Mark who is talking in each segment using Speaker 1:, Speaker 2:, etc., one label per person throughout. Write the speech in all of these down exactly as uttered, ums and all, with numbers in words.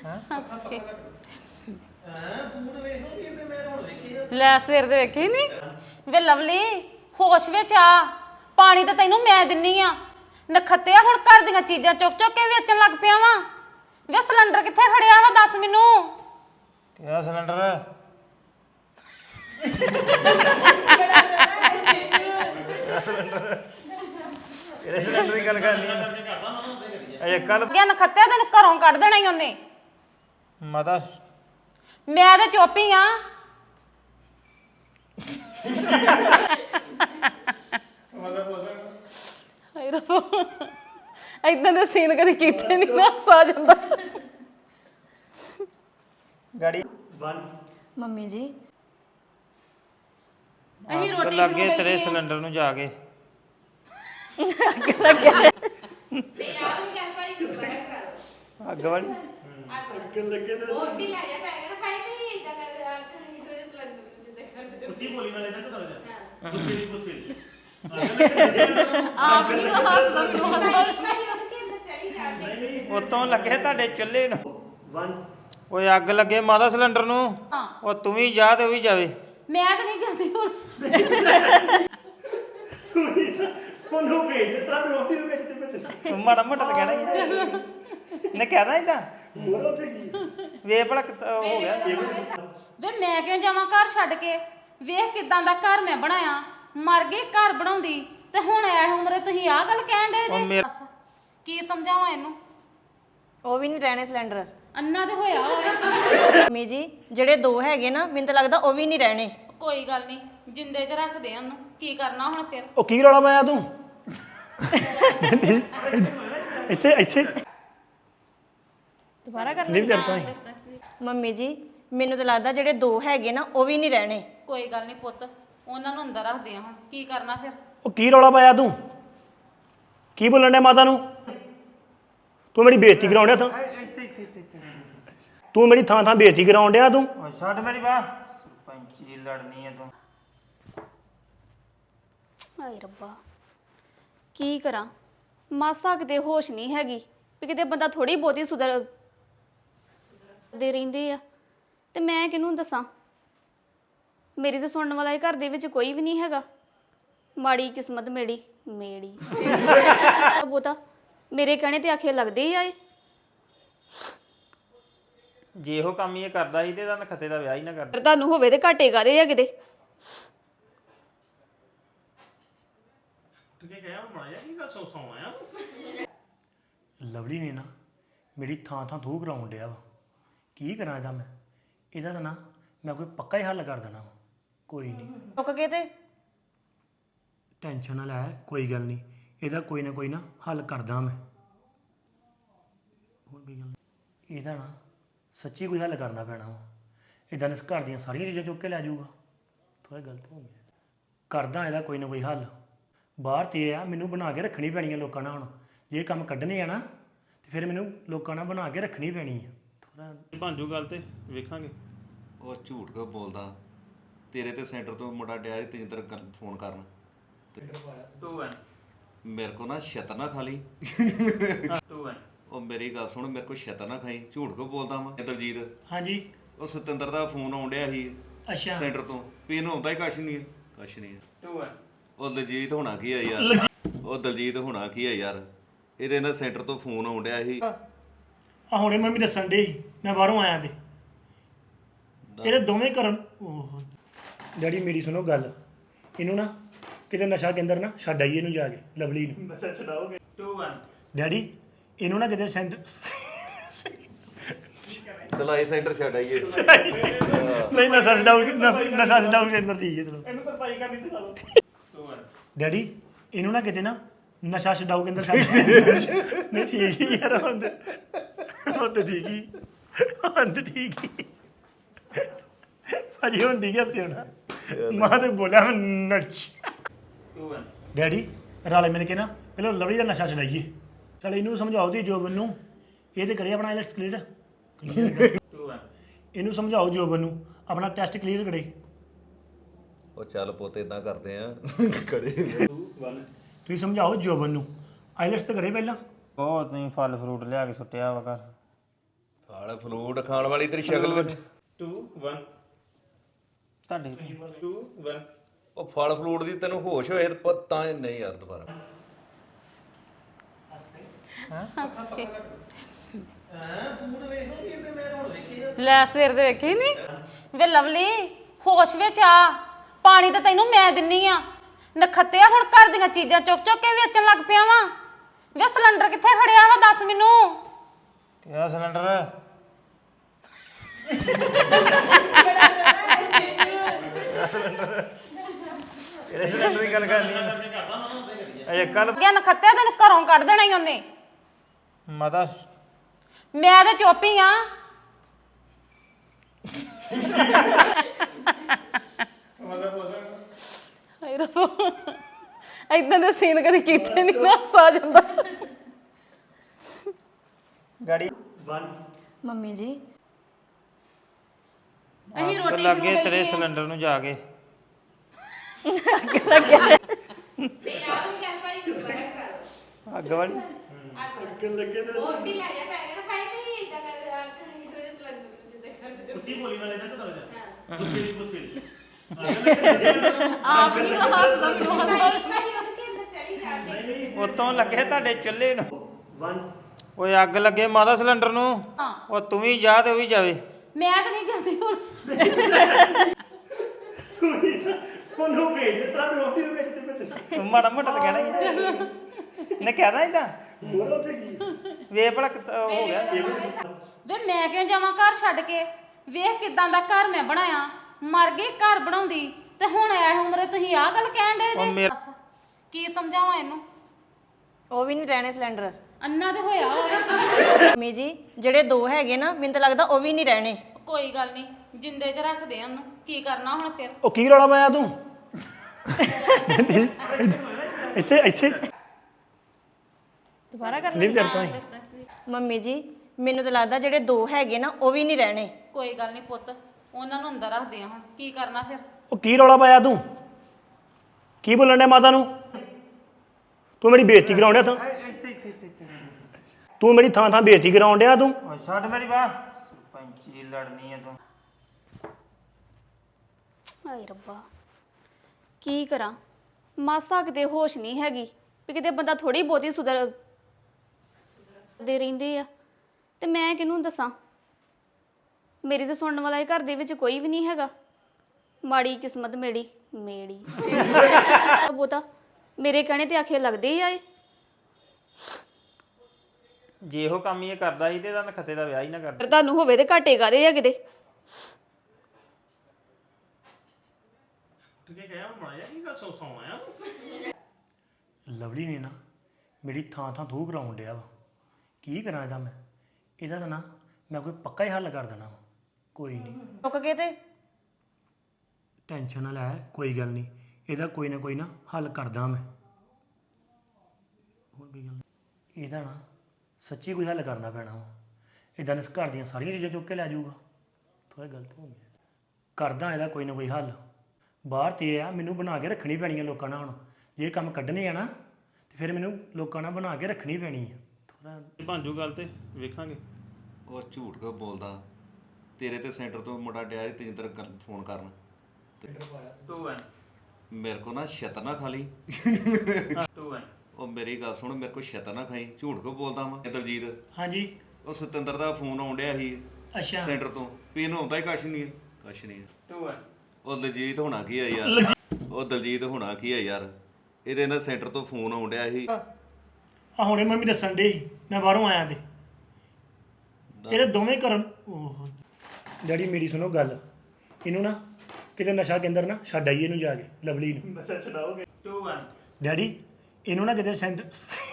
Speaker 1: ਹੱਸ ਕੇ ਲੈ ਸਵੇਰ ਦੇ ਵੇਖੀ ਨਹੀਂ ਵੇ ਲਵਲੀ ਹੋਸ਼ ਵਿੱਚ ਆ ਪਾਣੀ ਤਾਂ ਤੈਨੂੰ ਮੈਂ ਦਿੰਨੀ ਆ ਨਖੱਤਿਆ ਹੁਣ ਘਰ ਦੀਆਂ ਚੀਜ਼ਾਂ ਚੁੱਕ ਚੁੱਕ ਕੇ ਵੇਚਣ ਲੱਗ ਪਿਆ ਵਾ ਵੇ ਸਿਲੰਡਰ ਕਿੱਥੇ ਖੜਿਆ ਵਾ ਦੱਸ ਮੈਨੂੰ
Speaker 2: ਕਿਹੜਾ ਸਿਲੰਡਰ ਕਿਹੜੇ ਸਿਲੰਡਰ ਦੀ ਗੱਲ ਕਰਨੀ ਅਜੇ ਕੱਲ
Speaker 1: ਗਿਆ ਨਖੱਤਿਆ ਤੈਨੂੰ ਘਰੋਂ ਕੱਢ ਦੇਣਾ ਹੀ ਉਹਨੇ
Speaker 2: ਮਾਤਾ
Speaker 1: ਮੈਂ ਤਾਂ ਚੁੱਪ ਹੀ ਆ ਹਾਏ ਰੱਬਾ ਇਦਾਂ ਦੇ ਸੀਨ ਕਦੇ ਕੀਤੇ ਨਹੀਂ ਨਾ ਸਾ ਜਾਂਦਾ
Speaker 2: ਗਾੜੀ
Speaker 3: ਮੰਮੀ ਜੀ
Speaker 1: ਅਸੀਂ ਰੋਟੀ
Speaker 2: ਲੱਗੇ ਤੇਰੇ ਸਿਲੰਡਰ ਨੂੰ ਜਾ ਕੇ ਅੱਗ ਵਾਲੀ
Speaker 4: ਉੱਚੀ ਬੋਲੀ ਨਾਲ ਇਹਨਾਂ ਨੂੰ ਦੱਸ ਗੁੱਸੇ ਦੀ ਗੁੱਸੇ ਦੀ
Speaker 1: ਆਪ ਹੀ ਹੱਸਦਾ ਮੈਨੂੰ ਹੱਸਦਾ
Speaker 2: ਉਤੋਂ ਲੱਗੇ ਤੁਹਾਡੇ ਚੁੱਲ੍ਹੇ ਨੂੰ ਓਏ ਅੱਗ ਲੱਗੇ ਮਾਤਾ ਸਿਲੰਡਰ ਨੂੰ ਉਹ ਤੂੰ ਵੀ ਜਾ ਤੇ ਉਹ ਵੀ ਜਾਵੇ
Speaker 1: ਮੈਂ ਤਾਂ ਨਹੀਂ ਜਾਂਦੀ ਹੁਣ
Speaker 4: ਉਹਨੂੰ ਭੇਜ ਦੇ ਸਾਰਾ ਰੋਟੀ ਨੂੰ ਵਿੱਚ ਤੇ ਵਿੱਚ
Speaker 2: ਮਾੜਾ ਮੋਟਾ ਤਾਂ ਕਹਿਣਾ ਹੀ ਨੇ ਕਹਿਦਾ ਇਦਾਂ
Speaker 4: ਹੋਰ ਉੱਥੇ ਕੀ
Speaker 2: ਵੇ ਭਲਾ ਕਿੱਦਾਂ ਹੋ ਗਿਆ
Speaker 1: ਵੇ ਮੈਂ ਕਿਉਂ ਜਾਵਾਂ ਘਰ ਛੱਡ ਕੇ ਵੇਖ ਕਿਦਾਂ ਦਾ ਘਰ ਮੈਂ ਬਣਾਇਆ ਮਰ ਗਏ ਘਰ ਬਣਾਉਂਦੀ ਤੇ ਹੁਣ ਐ ਉਮਰੇ ਤੁਸੀਂ ਆਹ ਗੱਲ ਕਹਿਣ ਦੇ
Speaker 2: ਉਹ
Speaker 1: ਜੇ
Speaker 2: ਮੇਰਾ-
Speaker 1: ਦੱਸ, ਕੀ ਸਮਝਾਵਾਂ ਇਹਨੂੰ
Speaker 3: ਉਹ ਵੀ ਨਹੀਂ ਰਹਿਣੇ ਸਿਲੰਡਰ
Speaker 1: ਅੰਨਾ ਤੇ ਹੋਇਆ ਹੋਇਆ
Speaker 3: ਮੰਮੀ ਜੀ ਜਿਹੜੇ ਦੋ ਹੈਗੇ ਨਾ ਮੈਨੂੰ ਤਾਂ ਲੱਗਦਾ ਉਹ ਵੀ ਨਹੀਂ ਰਹਿਣੇ
Speaker 1: ਕੋਈ ਗੱਲ ਨਹੀਂ ਜਿੰਦੇ 'ਚ ਰੱਖਦੇ ਆ ਉਹਨੂੰ ਕੀ ਕਰਨਾ ਹੁਣ ਫਿਰ
Speaker 4: ਉਹ ਕੀ ਰੌਲਾ ਪਾਇਆ ਤੂੰ ਇੱਥੇ ਇੱਥੇ
Speaker 3: ਦੁਬਾਰਾ ਕਰ
Speaker 4: ਸਲੀਪ ਕਰ ਪਾਈ
Speaker 3: ਮੰਮੀ ਜੀ ਮੈਨੂੰ ਤਾਂ ਲੱਗਦਾ ਜਿਹੜੇ ਦੋ ਹੈਗੇ ਨਾ ਉਹ ਵੀ ਨਹੀਂ ਰਹਿਣੇ
Speaker 1: ਕੋਈ ਗੱਲ ਨਹੀਂ ਪੁੱਤ ਉਹਨਾਂ ਨੂੰ ਅੰਦਰ ਰੱਖਦੇ ਆ ਹੁਣ ਕੀ ਕਰਨਾ ਫਿਰ
Speaker 4: ਉਹ ਕੀ ਰੌਲਾ ਪਾਇਆ ਤੂੰ ਕੀ ਬੋਲਣ ਡਿਆ ਮਾਤਾ ਨੂੰ ਤੂੰ ਮੇਰੀ ਬੇਇੱਜ਼ਤੀ ਕਰਾਉਣ ਡਿਆ ਥਾਂ
Speaker 2: ਇੱਥੇ ਇੱਥੇ ਇੱਥੇ
Speaker 4: ਤੂੰ ਮੇਰੀ ਥਾਂ ਥਾਂ ਬੇਇੱਜ਼ਤੀ ਕਰਾਉਣ ਡਿਆ ਤੂੰ
Speaker 2: ਓਏ ਛੱਡ ਮੇਰੀ ਬਾਹ ਸਰਪੰਚੀ ਲੜਨੀ ਹੈ ਤੂੰ
Speaker 1: ਹਾਏ ਰੱਬਾ ਕੀ ਕਰਾਂ ਮਾਸਾ ਕਿਤੇ ਹੋਸ਼ ਨਹੀਂ ਹੈਗੀ ਵੀ ਕਿਤੇ ਬੰਦਾ ਥੋੜੀ ਬਹੁਤੀ ਸੁਧਰ ਦੇ ਰਹਿੰਦੇ ਆ ਤੇ ਮੈਂ ਕਿਹਨੂੰ ਦੱਸਾਂ ਮੇਰੀ ਤਾਂ ਸੁਣਨ ਵਾਲਾ ਇਹ ਘਰ ਦੇ ਵਿੱਚ ਕੋਈ ਵੀ ਨਹੀਂ ਹੈਗਾ ਮਾੜੀ ਕਿਸਮਤ ਮੇਰੀ ਮੇੜੀ ਬੋਤਾ ਮੇਰੇ ਕਹਿਣੇ ਤੇ ਆਖੇ ਲੱਗਦੇ ਹੀ ਆਏ
Speaker 2: ਜੇ ਇਹੋ ਕੰਮ ਹੀ ਇਹ ਕਰਦਾ ਸੀ ਤੇ ਇਹਦਾ ਨਖੱਤੇ ਦਾ ਵਿਆਹ ਹੀ ਨਾ ਕਰਦਾ
Speaker 1: ਪਰ ਤੁਹਾਨੂੰ ਹੋਵੇ ਤੇ ਘਾਟੇ ਕਾਦੇ ਆ ਕਿਤੇ
Speaker 4: ਤੂੰ ਕੀ ਕਹਿਆ ਬਣਾਇਆ ਕੀ ਗੱਲ ਸੌ ਸੌ ਆਇਆ ਲਵਲੀ ਨੇ ਨਾ ਮੇਰੀ ਥਾਂ ਥਾਂ ਥੂ ਕਰਾਉਣ ਡਿਆ ਵਾ ਕੀ ਕਰਾਂ ਇਹਦਾ ਮੈਂ ਇਹਦਾ ਤਾਂ ਨਾ ਮੈਂ ਕੋਈ ਪੱਕਾ ਹੀ ਹੱਲ ਕਰ ਦੇਣਾ ਵਾ ਕੋਈ ਨਹੀਂ
Speaker 3: ਚੁੱਕ ਕੇ ਤੇ
Speaker 4: ਟੈਨਸ਼ਨ ਨਾ ਲੈ ਕੋਈ ਗੱਲ ਨਹੀਂ ਇਹਦਾ ਕੋਈ ਨਾ ਕੋਈ ਨਾ ਹੱਲ ਕਰਦਾ ਮੈਂ ਹੋਰ ਵੀ ਗੱਲ ਇਹਦਾ ਨਾ ਸੱਚੀ ਕੋਈ ਹੱਲ ਕਰਨਾ ਪੈਣਾ ਵਾ ਇਦਾਂ ਨੇ ਘਰ ਦੀਆਂ ਸਾਰੀਆਂ ਚੀਜ਼ਾਂ ਚੁੱਕ ਕੇ ਲੈ ਜਾਊਗਾ ਥੋੜਾ ਗਲਤ ਹੋ ਗਿਆ ਕਰਦਾ ਇਹਦਾ ਕੋਈ ਨਾ ਕੋਈ ਹੱਲ ਬਾਹਰ ਤੇ ਇਹ ਆ ਮੈਨੂੰ ਬਣਾ ਕੇ ਰੱਖਣੀ ਪੈਣੀ ਆ ਲੋਕਾਂ ਨਾਲ ਹੁਣ ਜੇ ਕੰਮ ਕੱਢਣੇ ਆ ਨਾ ਤੇ ਫਿਰ ਮੈਨੂੰ ਲੋਕਾਂ ਨਾਲ ਬਣਾ ਕੇ ਰੱਖਣੀ ਪੈਣੀ ਆ ਥੋੜਾ
Speaker 5: ਬਣ ਜੂ ਗੱਲ ਤੇ ਵੇਖਾਂਗੇ
Speaker 6: ਉਹ ਝੂਠ ਕਿਉਂ ਬੋਲਦਾ ਤੇਰੇ ਤੇ ਸੈਂਟਰ ਤੋਂ ਮੁੰਡਾ ਡਿਆ ਸੀ ਤੇਜਿੰਦਰ ਫੋਨ ਕਰਨ
Speaker 2: ਟੂ ਵਨ
Speaker 6: ਮੇਰੇ ਕੋ ਨਾ ਛਤਰ ਨਾ ਖਾ ਲਈ
Speaker 2: ਟੂ ਵਨ
Speaker 6: ਉਹ ਮੇਰੀ ਗੱਲ ਸੁਣ ਮੇਰੇ ਕੋ ਛਤਰ ਨਾ ਖਾਈ ਝੂਠ ਕਿਉਂ ਬੋਲਦਾ ਵਾ ਦਲਜੀਤ
Speaker 4: ਹਾਂਜੀ
Speaker 6: ਉਹ ਸਤਿੰਦਰ ਦਾ ਫੋਨ ਆਉਣ ਡਿਆ ਸੀ
Speaker 4: ਅੱਛਾ
Speaker 6: ਸੈਂਟਰ ਤੋਂ ਵੀ ਇਹਨੂੰ ਆਉਂਦਾ ਹੀ ਕੁਛ ਨਹੀਂ ਹੈ ਕੁਛ ਨਹੀਂ ਹੈ
Speaker 2: ਟੂ ਵਨ
Speaker 6: ਉਹ ਦਲਜੀਤ ਹੋਣਾ ਕੀ ਆ ਯਾਰ ਉਹ ਦਲਜੀਤ ਹੋਣਾ ਕੀ ਆ ਯਾਰ ਇਹਦੇ ਨਾਲ ਸੈਂਟਰ ਤੋਂ ਫੋਨ ਆਉਣ ਡਿਆ ਸੀ
Speaker 4: ਆ ਹੁਣੇ ਮੰਮੀ ਦੱਸਣ ਦੇ ਮੈਂ ਬਾਹਰੋਂ ਆਇਆ ਤੇ ਇਹਦੇ ਦੋਵੇਂ ਕਰਨ ਓਹ ਡੈਡੀ ਮੇਰੀ ਸੁਣੋ ਗੱਲ ਇਹਨੂੰ ਨਾ ਕਿਤੇ ਨਸ਼ਾ ਕੇਂਦਰ ਨਾ ਛੱਡ ਆਈਏ ਇਹਨੂੰ ਜਾ ਕੇ ਲਵਲੀ ਨੂੰ ਨਸ਼ਾ ਛਡਾਓਗੇ
Speaker 2: ਟੂ ਵਨ
Speaker 4: ਡੈਡੀ ਇਹਨੂੰ ਨਾ ਕਿਤੇ ਸੈਂਟਰ
Speaker 6: ਸਲਾਈ ਸੈਂਟਰ ਛੱਡ ਆਈਏ
Speaker 4: ਨਹੀਂ ਨਸ਼ਾ ਛਡਾਓਗੇ ਨਸ਼ਾ ਛਡਾਓਗੇ ਅੰਦਰ ਠੀਕ ਹੈ ਚਲੋ ਇਹਨੂੰ ਤਾਂ ਪਾਈ ਕਰਨੀ ਸਿਖਾ ਲਓ
Speaker 2: ਟੂ ਵਨ
Speaker 4: ਡੈਡੀ ਇਹਨੂੰ ਨਾ ਕਿਤੇ ਨਾ ਨਸ਼ਾ ਛਡਾਓਗੇ ਅੰਦਰ ਛੱਡ ਨਹੀਂ ਠੀਕ ਹੀ ਯਾਰ ਹੁਣ ਤੇ ਹੁਣ ਤੇ ਠੀਕ ਹੀ ਹੁਣ ਤੇ ਠੀਕ ਹੀ ਸਾਜੀ ਹੁਣ ਠੀਕ ਹੈ ਸਿਉਣਾ ਮਾਂ ਤੇ ਬੋਲਿਆ ਮੈਂ ਨੱਚ
Speaker 2: ਟੂ ਵਨ
Speaker 4: ਡੈਡੀ ਰਲ ਮਿਲ ਕੇ ਨਾ ਪਹਿਲਾਂ ਲਵਲੀ ਦਾ ਨਸ਼ਾ ਛਡਾਈਏ ਚਲ ਇਹਨੂੰ ਸਮਝਾਓ ਦੀ ਜੋਬਨ ਨੂੰ ਇਹ ਤੇ ਕਰੇ ਆਪਣਾ ਆਈਲੈਟਸ ਕਲੀਅਰ
Speaker 2: ਟੂ ਵਨ
Speaker 4: ਇਹਨੂੰ ਸਮਝਾਓ ਜੋਬਨ ਨੂੰ ਆਪਣਾ ਟੈਸਟ ਕਲੀਅਰ ਕਰੇ
Speaker 6: ਉਹ ਚੱਲ ਪੁੱਤ ਇਦਾਂ ਕਰਦੇ ਆ ਕੜੇ
Speaker 4: ਤੁਸੀਂ ਸਮਝਾਓ ਜੋਬਨ ਨੂੰ ਆਈਲੈਟਸ ਤਾਂ ਕਰੇ ਪਹਿਲਾਂ
Speaker 2: ਬਹੁਤ ਨਹੀਂ ਫਲ ਫਰੂਟ ਲਿਆ ਕੇ ਸੁੱਟਿਆ ਵਾ ਘਰ
Speaker 6: ਫਲ ਫਲੂਟ ਖਾਣ ਵਾਲੀ ਤੇਰੀ ਸ਼ਕਲ ਵੇਖ
Speaker 5: two one ਤੁਹਾਡੇ two one
Speaker 6: ਉਹ ਫਲ ਫਲੂਟ ਦੀ ਤੈਨੂੰ ਹੋਸ਼ ਹੋਏ ਤਾਂ ਪ- ਤਾਂ ਹੀ- ਨਹੀਂ ਯਾਰ ਦੁਬਾਰਾ
Speaker 7: ਲੈ ਸਵੇਰ ਦੇ ਵੇਖੀ ਨਹੀਂ ਵੇ ਲਵਲੀ ਹੋਸ਼ ਵਿੱਚ ਆ ਪਾਣੀ ਤਾਂ ਤੈਨੂੰ ਮੈਂ ਦਿੰਨੀ ਆ ਨਖੱਤਿਆ ਹੁਣ ਘਰ ਦੀਆਂ ਚੀਜ਼ਾਂ ਚੁੱਕ ਚੁੱਕ ਕੇ ਵੇਚਣ ਲੱਗ ਪਿਆ ਵਾ ਵੇ ਸਿਲੰਡਰ ਕਿੱਥੇ ਖੜਿਆ ਵਾ ਦੱਸ ਮੈਨੂੰ
Speaker 2: ਕਿਹੜਾ ਸਿਲੰਡਰ ਕਿਹੜੇ ਸਿਲੰਡਰ ਦੀ ਗੱਲ ਕਰਨੀ ਅਜੇ ਕੱਲ
Speaker 7: ਗਿਆ ਨਖੱਤਿਆ ਤੈਨੂੰ ਘਰੋਂ ਕੱਢ ਦੇਣਾ ਹੀ ਉਹਨੇ
Speaker 2: ਮਾਤਾ
Speaker 7: ਮੈਂ ਤਾਂ ਚੁੱਪ ਹੀ ਆ ਹਾਏ ਰੱਬਾ ਇਦਾਂ ਦੇ ਸੀਨ ਕਦੇ ਕੀਤੇ ਨਹੀਂ ਨਾ ਸਾ ਜਾਂਦਾ
Speaker 2: ਗਾੜੀ
Speaker 3: ਮੰਮੀ ਜੀ
Speaker 7: ਅਸੀਂ
Speaker 2: ਅੱਗ
Speaker 7: ਰੋਟੀ
Speaker 2: ਲੱਗੇ ਤੇਰੇ ਸਿਲੰਡਰ ਨੂੰ ਜਾ ਕੇ ਅੱਗ ਵਾਲੀ
Speaker 4: ਉੱਚੀ ਬੋਲੀ ਨਾਲ ਇਹਨਾਂ ਤੋਂ ਦੱਸ ਗੁੱਸੇ ਦੀ ਗੁੱਸੇ ਦੀ
Speaker 7: ਆਪ ਹੀ ਹੱਸਦਾ ਮੈਨੂੰ ਹੱਸਦਾ
Speaker 2: ਉਤੋਂ ਲੱਗੇ ਤੁਹਾਡੇ ਚੁੱਲ੍ਹੇ ਨੂੰ
Speaker 4: one
Speaker 2: ਓਏ ਅੱਗ ਲੱਗੇ ਮਾਤਾ ਸਿਲੰਡਰ ਨੂੰ ਉਹ ਤੂੰ ਵੀ ਜਾ ਤੇ ਉਹ ਵੀ ਜਾਵੇ
Speaker 7: ਮੈਂ ਤਾਂ ਨਹੀਂ ਜਾਂਦੀ ਹੁਣ
Speaker 4: ਉਹਨੂੰ ਭੇਜ ਦੇ ਸਾਰਾ ਰੋਟੀ ਨੂੰ ਭੇਜ ਦੇ ਮੈਂ
Speaker 2: ਮਾੜਾ ਮੋਟਾ ਤਾਂ ਕਹਿਣਾ ਹੀ ਨੇ ਕਹਿਦਾ ਇਦਾਂ
Speaker 4: ਹੋਰ ਉੱਥੇ ਕੀ
Speaker 2: ਵੇ ਭਲਾ ਕਿੱਥ- ਹੋ ਗਿਆ
Speaker 7: ਵੇ ਮੈਂ ਕਿਉਂ ਜਾਵਾਂ ਘਰ ਛੱਡ ਕੇ ਵੇਖ ਕਿਦਾਂ ਦਾ ਘਰ ਮੈਂ ਬਣਾਇਆ ਮਰ ਗਈ ਘਰ ਬਣਾਉਂਦੀ ਤੇ ਹੁਣ ਐ ਉਮਰੇ ਤੁਸੀਂ ਆਹ ਗੱਲ ਕਹਿਣ ਦੇ
Speaker 2: ਉਹ ਮੇਰਾ
Speaker 7: ਕੀ ਸਮਝਾਵਾਂ ਇਹਨੂੰ
Speaker 3: ਉਹ ਵੀ ਨਹੀਂ ਰਹਿਣੇ ਸਿਲੰਡਰ
Speaker 7: ਅੰਨਾ ਤੇ ਹੋਇਆ ਹੋਇਆ
Speaker 3: ਮੰਮੀ ਜੀ ਜਿਹੜੇ ਦੋ ਹੈਗੇ ਨਾ ਮੈਨੂੰ ਤਾਂ ਲੱਗਦਾ ਉਹ ਵੀ ਨਹੀਂ ਰਹਿਣੇ
Speaker 7: ਕੋਈ ਗੱਲ ਨਹੀਂ ਜਿੰਦੇ 'ਚ ਰੱਖਦੇ ਆ ਉਹਨੂੰ ਕੀ ਕਰਨਾ ਹੁਣ ਫਿਰ
Speaker 4: ਉਹ ਕੀ ਰੌਲਾ ਪਾਇਆ ਤੂੰ ਇੱਥੇ ਇੱਥੇ
Speaker 3: ਦੁਬਾਰਾ ਕਰ
Speaker 4: ਸਲੀਪ ਕਰ ਪਾਈ
Speaker 3: ਮੰਮੀ ਜੀ ਮੈਨੂੰ ਤਾਂ ਲੱਗਦਾ ਜਿਹੜੇ ਦੋ ਹੈਗੇ ਨਾ ਉਹ ਵੀ ਨਹੀਂ ਰਹਿਣੇ
Speaker 7: ਕੋਈ ਗੱਲ ਨਹੀਂ ਪੁੱਤ ਉਹਨਾਂ ਨੂੰ ਅੰਦਰ ਰੱਖਦੇ ਆ ਹੁਣ ਕੀ ਕਰਨਾ ਫਿਰ
Speaker 4: ਉਹ ਕੀ ਰੌਲਾ ਪਾਇਆ ਤੂੰ ਕੀ ਬੋਲਣ ਡਿਆ ਮਾਤਾ ਨੂੰ ਤੂੰ ਮੇਰੀ ਬੇਇੱਜ਼ਤੀ ਕਰਾਉਣ ਡਿਆ ਤੂੰ ਤੂੰ ਮੇਰੀ ਥਾਂ ਥਾਂ ਬੇਇੱਜ਼ਤੀ ਕਰਾਉਣ ਡਿਆ ਤੂੰ
Speaker 2: ਓਏ ਛੱਡ ਮੇਰੀ ਬਾਹ ਸਰਪੰਚੀ ਲੜਨੀ ਹੈ ਤੂੰ
Speaker 1: ਹਾਏ ਰੱਬਾ ਕੀ ਕਰਾਂ ਮਾਸਾ ਕਿਤੇ ਹੋਸ਼ ਨਹੀਂ ਹੈਗੀ ਵੀ ਕਿਤੇ ਬੰਦਾ ਥੋੜੀ ਬਹੁਤੀ ਸੁਧਰ ਦੇ ਰਹਿੰਦੇ ਆ ਤੇ ਮੈਂ ਕਿਹਨੂੰ ਦੱਸਾਂ ਮੇਰੀ ਤਾਂ ਸੁਣਨ ਵਾਲਾ ਇਹ ਘਰ ਦੇ ਵਿੱਚ ਕੋਈ ਵੀ ਨਹੀਂ ਹੈਗਾ ਮਾੜੀ ਕਿਸਮਤ ਮੇਰੀ ਮੇੜੀ ਬੋਤਾ ਮੇਰੇ ਕਹਿਣੇ ਤੇ ਆਖੇ ਲੱਗਦੇ ਹੀ ਆਏ
Speaker 2: ਜੇ ਇਹੋ ਕੰਮ ਹੀ ਇਹ ਕਰਦਾ ਸੀ ਤੇ ਇਹਦਾ ਨਖੱਤੇ ਦਾ ਵਿਆਹ ਹੀ ਨਾ ਕਰਦਾ
Speaker 1: ਫਿਰ ਤੁਹਾਨੂੰ ਹੋਵੇ ਤੇ ਘਾਟੇ ਕਾਦੇ ਆ ਕਿਤੇ
Speaker 4: ਤੂੰ ਕੀ ਕਹਿਆ ਮਾਇਆ ਕੀ ਗੱਲ ਸੌ ਸੌਣਾ ਆ ਲਵਲੀ ਨੇ ਨਾ ਮੇਰੀ ਥਾਂ ਥਾਂ ਥੂ ਕਰਾਉਣ ਡਿਆ ਵਾ ਕੀ ਕਰਾਂ ਇਹਦਾ ਮੈਂ ਇਹਦਾ ਤਾਂ ਨਾ ਮੈਂ ਕੋਈ ਪੱਕਾ ਹੀ ਹੱਲ ਕਰ ਦੇਣਾ ਵਾ ਕੋਈ ਨਹੀਂ
Speaker 3: ਚੁੱਕ ਕੇ ਤੇ
Speaker 4: ਟੈਨਸ਼ਨ ਨਾ ਲੈ ਕੋਈ ਗੱਲ ਨਹੀਂ ਇਹਦਾ ਕੋਈ ਨਾ ਕੋਈ ਨਾ ਹੱਲ ਕਰਦਾ ਮੈਂ ਹੋਰ ਵੀ ਗੱਲ ਇਹਦਾ ਨਾ ਸੱਚੀ ਕੋਈ ਹੱਲ ਕਰਨਾ ਪੈਣਾ ਵਾ ਇਦਾਂ ਦੇ ਘਰ ਦੀਆਂ ਸਾਰੀਆਂ ਚੀਜ਼ਾਂ ਚੁੱਕ ਕੇ ਲੈ ਜਾਊਗਾ ਥੋੜਾ ਗਲਤ ਹੋ ਗਿਆ ਕਰਦਾ ਇਹਦਾ ਕੋਈ ਨਾ ਕੋਈ ਹੱਲ ਬਾਹਰ ਤੇ ਇਹ ਆ ਮੈਨੂੰ ਬਣਾ ਕੇ ਰੱਖਣੀ ਪੈਣੀ ਆ ਲੋਕਾਂ ਨਾਲ ਹੁਣ ਜੇ ਕੰਮ ਕੱਢਣੇ ਆ ਨਾ ਤੇ ਫਿਰ ਮੈਨੂੰ ਲੋਕਾਂ ਨਾਲ ਬਣਾ ਕੇ ਰੱਖਣੀ ਪੈਣੀ ਆ ਥੋੜਾ
Speaker 5: ਬਣ ਜੂ ਗੱਲ ਤੇ ਵੇਖਾਂਗੇ
Speaker 6: ਉਹ ਝੂਠ ਕਿਉਂ ਬੋਲਦਾ ਤੇਰੇ ਤੇ ਸੈਂਟਰ ਤੋਂ ਮੁੰਡਾ ਡਿਆ ਸੀ ਤੇਰੇ ਤਰ ਫੋਨ ਕਰਨ
Speaker 2: two one
Speaker 6: ਮੇਰੇ ਕੋ ਨਾ ਛਤਰ ਨਾ ਖਾ ਲਈ
Speaker 2: two one
Speaker 6: ਉਹ ਮੇਰੀ ਗੱਲ ਸੁਣ ਮੇਰੇ ਕੋ ਛਤਰ ਨਾ ਖਾਈ ਝੂਠ ਕਿਉਂ ਬੋਲਦਾ ਵਾ ਦਲਜੀਤ
Speaker 4: ਹਾਂਜੀ
Speaker 6: ਉਹ ਸਤਿੰਦਰ ਦਾ ਫੋਨ ਆਉਣ ਡਿਆ ਸੀ
Speaker 4: ਅੱਛਾ
Speaker 6: ਸੈਂਟਰ ਤੋਂ ਵੀ ਇਹਨੂੰ ਆਉਂਦਾ ਹੀ ਕੁਛ ਨਹੀਂ ਹੈ ਕੁਛ ਨਹੀਂ ਹੈ।
Speaker 2: two one
Speaker 6: ਉਹ ਦਲਜੀਤ ਹੋਣਾ ਕੀ ਆ ਯਾਰ ਉਹ ਦਲਜੀਤ ਹੋਣਾ ਕੀ ਆ ਯਾਰ ਇਹਦੇ ਨਾਲ ਸੈਂਟਰ ਤੋਂ ਫੋਨ ਆਉਣ ਡਿਆ ਸੀ
Speaker 4: ਆ ਹੁਣੇ ਮੰਮੀ ਦੱਸਣ ਡੇ ਮੈਂ ਬਾਹਰੋਂ ਆਇਆ ਤੇ ਇਹਦੇ ਦੋਵੇਂ ਕਰਨ ਓਹ ਡੈਡੀ ਮੇਰੀ ਸੁਣੋ ਗੱਲ ਇਹਨੂੰ ਨਾ ਕਿਤੇ ਨਸ਼ਾ ਕੇਂਦਰ ਨਾ ਛੱਡ ਆਈਏ ਇਹਨੂੰ ਜਾ ਕੇ ਲਵਲੀ ਨੂੰ ਨਸ਼ਾ ਛਡਾਓਗੇ
Speaker 2: two one
Speaker 4: ਡੈਡੀ ਇਹਨੂੰ ਨਾ ਕਿਤੇ ਸੈਂਟਰ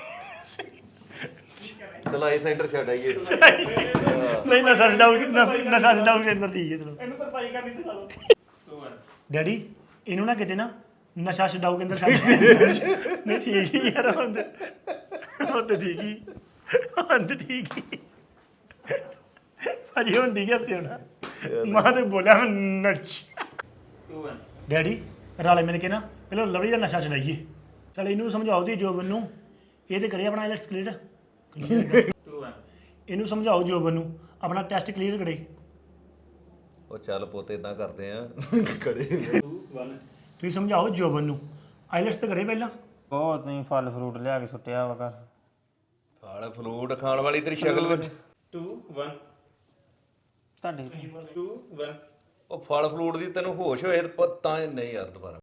Speaker 6: ਸਲਾਈ ਸੈਂਟਰ ਛੱਡ ਆਈਏ
Speaker 4: ਨਹੀਂ ਨਸ਼ਾ ਛਡਾਓਗੇ ਨਸ਼ਾ ਛਡਾਓਗੇ ਅੰਦਰ ਠੀਕ ਹੈ ਚਲੋ ਇਹਨੂੰ ਤਾਂ ਪਾਈ ਕਰਨੀ ਸਿਖਾ ਲਓ
Speaker 2: two one
Speaker 4: ਡੈਡੀ ਇਹਨੂੰ ਨਾ ਕਿਤੇ ਨਾ ਨਸ਼ਾ ਛਡਾਓਗੇ ਅੰਦਰ ਛੱਡ ਨਹੀਂ ਠੀਕ ਹੀ ਯਾਰ ਹੁਣ ਤੇ ਹੁਣ ਤੇ ਠੀਕ ਹੀ ਹੁਣ ਤੇ ਠੀਕ ਹੀ ਸਾਜੀ ਹੁਣ ਠੀਕ ਹੈ ਸਿਉਣਾ ਮਾਂ ਤੇ ਬੋਲਿਆ ਮੈਂ ਨੱਚ
Speaker 2: two one
Speaker 4: ਡੈਡੀ ਰਾਲੇ ਮਿਲ ਕੇ ਨਾ ਪਹਿਲਾਂ ਲਵਲੀ ਦਾ ਨਸ਼ਾ ਛਡਾਈਏ ਚਲ ਇਹਨੂੰ ਸਮਝਾਓ ਦੀ ਜੋਬਨ ਨੂੰ ਇਹ ਤੇ ਕਰੇ ਆਪਣਾ ਆਈਲੈਟਸ ਕਲੀਅਰ
Speaker 2: two one
Speaker 4: ਇਹਨੂੰ ਸਮਝਾਓ ਜੋਬਨ ਨੂੰ ਆਪਣਾ ਟੈਸਟ ਕਲੀਅਰ ਕਰੇ
Speaker 6: ਉਹ ਚੱਲ ਪੁੱਤ ਇਦਾਂ ਕਰਦੇ ਆ ਖੜੇ
Speaker 4: ਤੁਸੀਂ ਸਮਝਾਓ ਜੋਬਨ ਨੂੰ ਆਈਲੈਟਸ ਤੇ ਕਰੇ ਪਹਿਲਾਂ
Speaker 2: ਬਹੁਤ ਨਹੀਂ ਫਲ ਫਰੂਟ ਲਿਆ ਕੇ ਸੁੱਟਿਆ ਵਾ ਘਰ
Speaker 6: ਫਲ ਫਲੂਟ ਖਾਣ ਵਾਲੀ ਤੇਰੀ ਸ਼ਕਲ ਵਿੱਚ
Speaker 5: two one
Speaker 2: ਤੁਹਾਡੇ
Speaker 5: two one
Speaker 6: ਉਹ ਫਲ ਫਲੂਟ ਦੀ ਤੈਨੂੰ ਹੋਸ਼ ਹੋਏ ਤਾਂ ਨਹੀਂ ਯਾਰ ਦੁਬਾਰਾ